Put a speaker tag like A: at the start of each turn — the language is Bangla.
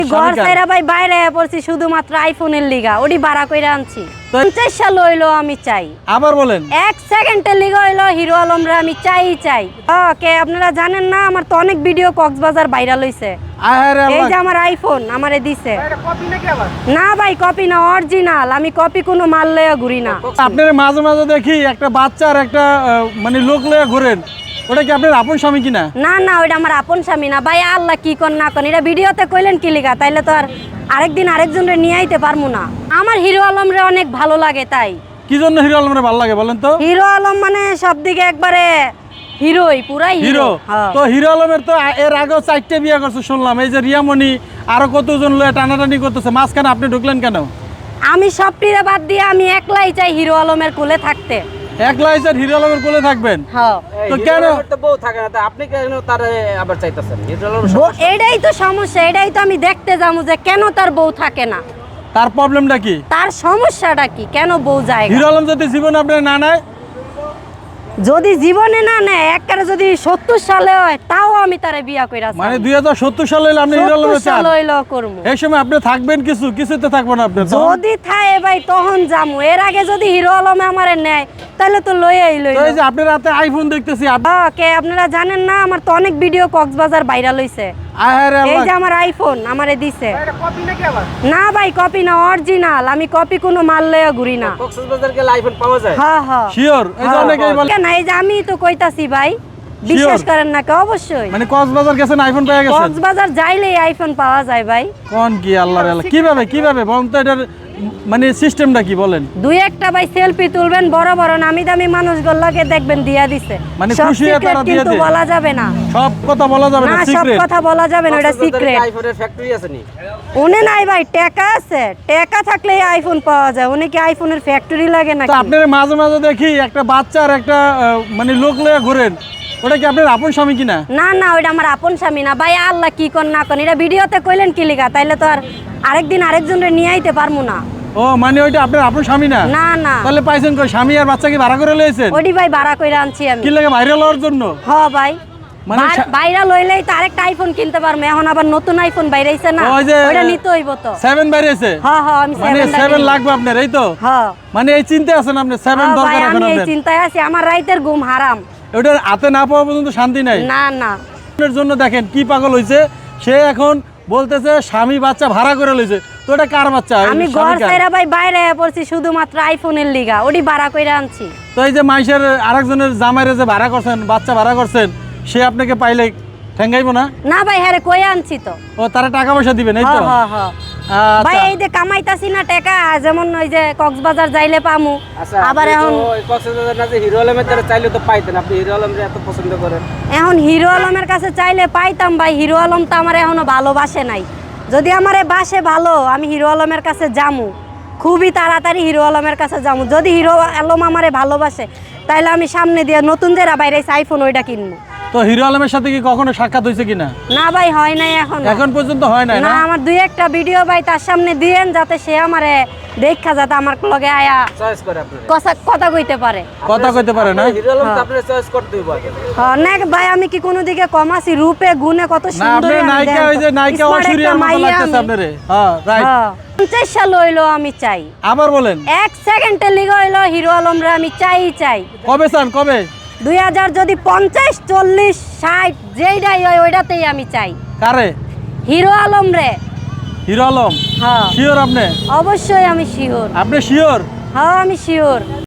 A: ঘর ছাইরা ভাই বাইরে পড়ছি শুধুমাত্র আইফোনের লিগা, ওডি ভাড়া কইরা আনছি। 50 সাল হইলো আমি চাই।
B: আবার বলেন।
A: 1 সেকেন্ডের লিগা হইলো হিরো আলমরে আমি চাই। ওকে, আপনারা জানেন না আমার তো অনেক ভিডিও কক্সবাজার ভাইরাল হইছে।
B: আরে
A: এই যে আমার আইফোন আমারে দিছে।
C: এটা কপি নাকি আবার?
A: না ভাই কপি না, অরিজিনাল। আমি কপি কোনো মাল লইয়া ঘুরি না।
B: আপনার মাঝে মাঝে দেখি একটা বাচ্চা আর একটা মানে লোক লইয়া ঘোরেন, ওটা কি আপনার আপন স্বামী কিনা?
A: না না, ওইটা আমার আপন স্বামী না ভাই। আল্লাহ কি কোন না কোন, এটা ভিডিওতে কইলেন কি লিগা? তাইলে তো আর আরেকদিন আরেকজনরে নিয়ে আইতে পারমু না। আমার হিরো আলমরে অনেক ভালো লাগে তাই।
B: কি জন্য হিরো আলমরে ভালো লাগে বলেন তো?
A: হিরো আলম মানে সবদিকে একবারে হিরোই, পুরাই
B: হিরো।
A: হ্যাঁ।
B: তো হিরো আলমের তো এর আগেও 4টে বিয়ে করছে শুনলাম, এই যে রিয়ামণি আরো কতজন লয়ে টানাটানি করতেছে, মাঝখানে আপনি ঢুকলেন কেন?
A: আমি সবটিরে বাদ দিয়ে আমি একলাই চাই হিরো আলমের কোলে থাকতে।
B: একলা এসে হিরো আলমের কোলে থাকবেন?
A: হ্যাঁ।
B: তো কেন?
C: তো বউ থাকে না, তা আপনি কেন তার আবার চাইতেছেন?
A: এটাই তো সমস্যা, এটাই তো আমি দেখতে যাবো যে কেন তার বউ থাকে না,
B: তার প্রবলেমটা কি,
A: তার সমস্যাটা কি, কেন বউ যায় না?
B: হিরো আলম যদি জীবন আপনার না নেয়?
A: যদি জীবনে না নেয়, একবারে যদি 70 সালে হয় তাও আমি তারে বিয়া কইরা
B: মানে 2070 সালে হইলে আপনি হিরো আলম চান?
A: লইলো করমু।
B: এই সময় আপনি থাকবেন কিছুতে থাকবেন আপনি তো।
A: যদি থাকে ভাই তখন যামু, এর আগে যদি হিরো আলমে আমারে নেয় তাহলে তো লইয়াই
B: তো
A: লইলো।
B: এই যে আপনার হাতে আইফোন দেখতেছি,
A: ওকে, আপনারা জানেন না আমার তো অনেক ভিডিও কক্সবাজার ভাইরাল হইছে।
B: আরে
A: এই
B: আল্লাহ,
A: যে আমার আইফোন আমারে দিছে।
C: এটা কপি নাকি আবার?
A: না ভাই কপি না, অরিজিনাল। আমি কপি কোনো মাল লইয়া ঘুরি না।
C: কক্সবাজার গেলে আইফোন পাওয়া যায়?
A: হ্যাঁ হ্যাঁ।
B: শিওর? এই যে অনেকেই বলে।
A: কেন, এই যে আমি তো কইতাছি ভাই, বিশ্বাস করেন না কে? অবশ্যই।
B: মানে কক্সবাজার গেছেন আইফোন পেয়ে গেছেন?
A: কক্সবাজার যাইলেই আইফোন পাওয়া যায় ভাই।
B: কোন কি আল্লাহর আল্লাহ, কিভাবে বলেন তো, এটার মানে সিস্টেমটা কি বলেন?
A: দুই একটা ভাই সেলফি তুলবেন, বড় বড় নামি দামি মানুষগুলোকে দেখবেন দিয়া দিছে।
B: মানে
A: সব
B: খুশি হয়ে
A: secret
B: তারা দিয়ে
A: কিন্তু
B: দেয়?
A: বলা যাবে না।
B: সব কথা বলা যাবে
A: না,
B: না,
A: সব
B: সিক্রেট।
A: কথা বলা যাবে না, এটা সিক্রেট।
C: আইফোনের ফ্যাক্টরি আছে নি?
A: উনি নাই ভাই, টাকা আছে। টাকা থাকলে আইফোন পাওয়া যায়। উনি কি আইফোনের ফ্যাক্টরি লাগে
B: তো
A: নাকি?
B: আপনার মাঝে মাঝে দেখি একটা বাচ্চা আর একটা মানে লোক লইয়া ঘোরেন, ওটা কি আপনার আপন স্বামী কিনা?
A: না না, ওইটা আমার আপন স্বামী না ভাই। আল্লাহ কি কোন না কোন, এটা ভিডিওতে কইলেন কি লিগা? তাইলে তো আর আরেকদিন আরেকজনরে নিয়ে আইতে পারমু না।
B: ও মানে ওইটা আপনার আপন স্বামী না?
A: না না,
B: তাহলে পাইছেন কই? স্বামী আর বাচ্চা কি ভাড়া করে লইছেন?
A: ওডি ভাই ভাড়া কইরা আনছি আমি।
B: কি লাগে ভাইরাল হওয়ার জন্য?
A: হ ভাই,
B: মানে
A: ভাইরাল হইলেই তো আরেকটা আইফোন কিনতে পারবো। এখন আবার নতুন আইফোন বাইরেছে না,
B: ওই যে
A: ওইটা নিতে হইব তো।
B: 7 বাইরেছে?
A: হ্যাঁ হ্যাঁ, আমি
B: মানে
A: 7
B: 7 লাগবে আপনার, এই তো?
A: হ্যাঁ
B: মানে এই চিন্তা আছেন আপনি, 7
A: হ্যাঁ
B: দরকার
A: ভাই,
B: এখন
A: আমি এই
B: আপনার?
A: চিন্তায় আছি। আমার রাইতের ঘুম হারাম।
B: ওটার হাতে না পাওয়া পর্যন্ত শান্তি নাই।
A: না না,
B: আপনার জন্য দেখেন কি পাগল হইছে, সে এখন বলতেছে স্বামী বাচ্চা ভাড়া করে লইছে। তো এটা কার বাচ্চা?
A: আমি ঘর ছাইরা ভাই বাইরে পড়ছি শুধুমাত্র আইফোনের লিগা, ওডি ভাড়া কইরা আনছি।
B: তো এই যে মাইশের আরেকজনের জামাইরে যে ভাড়া করছেন, বাচ্চা ভাড়া করছেন, সে আপনাকে পাইলে ঠেঙ্গাইবো না?
A: না ভাই, হ্যাঁ কই আনছি তো।
B: ও তারা টাকা পয়সা দিবেন, এই তো?
A: হ্যাঁ হ্যাঁ হ্যাঁ ভাই, এই যে কামাইতাছি না টাকা, যেমন ওই যে কক্সবাজার যাইলে পামু। আবার এখন
C: কক্সবাজার না যে হিরো আলমের দ্বারা চাইলে তো পাইতেন, আপনি হিরো আলমরে এত পছন্দ করেন।
A: এখন হিরো আলমের কাছে চাইলে পাইতাম ভাই। হিরো আলম তো আমার এখনো ভালোবাসে নাই। যদি আমারে বাসে ভালো, আমি হিরো আলমের কাছে যামু, খুবই তাড়াতাড়ি হিরো আলমের কাছে যামু। যদি হিরো আলম আমারে ভালোবাসে তাইলে আমি সামনে দিয়ে নতুন যেটা বাইরে আইফোন ওইটা কিনবো।
B: তো হিরো আলমের সাথে কি কখনো সাক্ষাৎ হয়েছে কিনা?
A: না ভাই, হয় নাই
B: এখন পর্যন্ত হয় নাই
A: না।
B: না?
A: আমার দুই একটা ভিডিও ভাই তার সামনে দিয়েন, যাতে সে আমারে দেখা, যাতে আমার লগে আয়া
C: চয়েস করে আপনি।
A: কথা কইতে পারে।
B: কথা কইতে পারে না?
C: হিরো আলম তো আপনি চয়েস করতে হইব আগে।
A: হ্যাঁ না ভাই, আমি কি কোনো দিকে কম আছি? রূপে গুণে কত
B: না,
A: সুন্দর।
B: আপনি নায়িকা, ওই যে নায়িকা ঐশ্বরিয়ার মতো লাগতেছে আপনারে। হ্যাঁ রাইট।
A: 50 সাল হইলো আমি চাই।
B: আবার বলেন।
A: 1 সেকেন্ডের লিগে হইলো হিরো আলমরে আমি চাই।
B: কবে চান, কবে?
A: 2000 যদি 50 40 60 যেইটাই হয় ওইটাতেই আমি চাই।
B: কারে?
A: হিরো আলম রে।
B: হিরো আলম?
A: হ্যাঁ
B: শিওর আপনি?
A: অবশ্যই আমি শিওর।
B: আপনি শিওর?
A: হ্যাঁ আমি শিওর।